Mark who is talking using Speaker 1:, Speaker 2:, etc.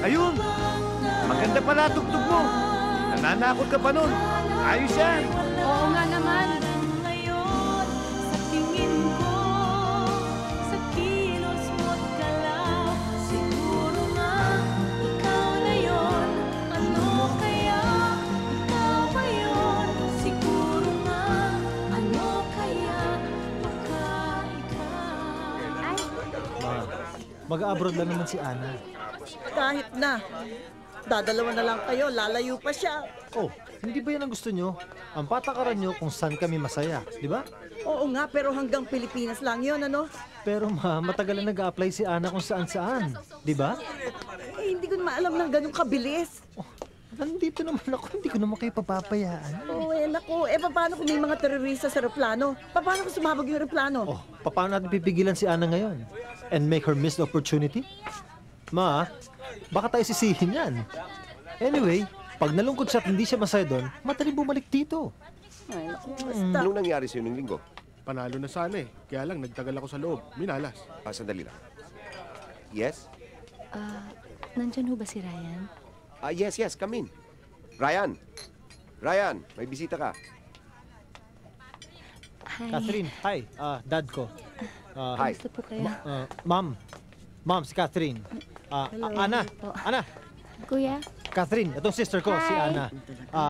Speaker 1: Ayun! Maganda pala tugtog mo. Nananakot ka pa nun. Ayos yan.
Speaker 2: Oo nga naman.
Speaker 3: Ngayon, sa tingin ko, sa kilos mo't galaw, siguro nga, ikaw na yun. Ano kaya, ikaw ba yun? Siguro nga, ano kaya, baka ikaw.
Speaker 4: Mag-abroad lang naman si Ana.
Speaker 5: Kahit na. Dadalawa na lang kayo, lalayo pa siya.
Speaker 4: Oh, hindi ba yan ang gusto nyo? Ang patakaran nyo kung saan kami masaya, di ba?
Speaker 5: Oo nga, pero hanggang Pilipinas lang yun, ano?
Speaker 4: Pero matagal na nag-a-apply si Ana kung saan-saan, di ba?
Speaker 5: Eh, hindi ko na maalam ng ganun kabilis.
Speaker 4: Oh, nandito naman ako, hindi ko naman kayo papapayaan.
Speaker 5: Oo, naku. Paano kung may mga terorista sa aeroplano? Paano kung sumabog yung aeroplano?
Speaker 4: Oh, paano natin pipigilan si Ana ngayon? And make her miss the opportunity? Ma, baka tayo sisihin yan. Anyway, pag nalungkot siya at hindi siya masaya doon, madaling bumalik dito.
Speaker 5: Ay, naku, basta.
Speaker 6: Anong nangyari sa'yo nung linggo?
Speaker 7: Panalo na sana eh. Kaya lang, nagtagal ako sa loob. Minalas.
Speaker 6: Sandali lang. Yes?
Speaker 2: Nandyan ho ba si Ryan?
Speaker 6: Yes, come in. Ryan! Ryan, may bisita ka.
Speaker 2: Hi.
Speaker 4: Catherine, hi. Dad ko.
Speaker 6: Hi.
Speaker 2: Gusto po kayo?
Speaker 4: Ma'am, si Catherine. Ana,
Speaker 2: Po.
Speaker 4: Ana,
Speaker 2: Kuya?
Speaker 4: Catherine, itong sister ko, si
Speaker 2: Hi.
Speaker 4: Ana.